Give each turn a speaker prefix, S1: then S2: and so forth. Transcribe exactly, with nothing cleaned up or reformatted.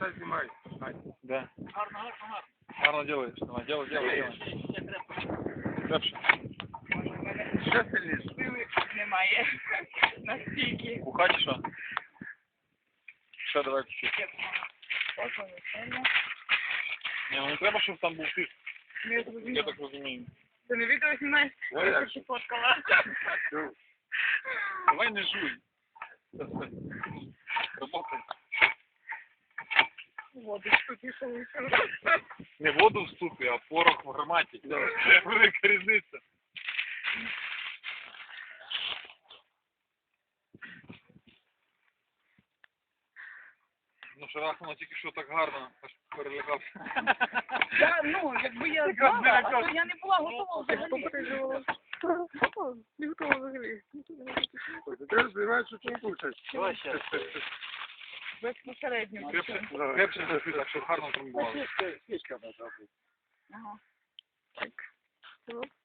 S1: Все знімай.
S2: Да.
S1: Гарно, гарно, гарно.
S2: Гарно делаешь. Давай, делай, делай, делай. Крепше.
S1: Ще сильніше.
S3: Сили немає. Настільки.
S2: У хаті що? Ще давай чуть-чуть.
S3: Ось воно, сильно.
S2: Ні, ну не треба, щоб там був тиск.
S3: Ну, я зрозуміла.
S2: Я так розумію.
S3: Ти не відео знімаєш?
S1: Ну,
S3: Я
S1: як
S3: ще фоткала.
S2: Давай не жуй. Работай.
S3: Воду тут пішов.
S2: Не воду в супі, а порох в гарматі. Велика різниця. Ну, шарахнуло тільки що так гарно, аж перелякався.
S3: Я, ну, якби я знала, а то я не була готова взагалі.
S1: Не готова взагалі. Ти знаєш, що ти кушаєш.
S2: Давай ще.
S3: Безпосередньо.
S2: Крепше, крепше зашли, так що гарно трамбували.
S1: Свічка може бути.
S3: Ага. Так.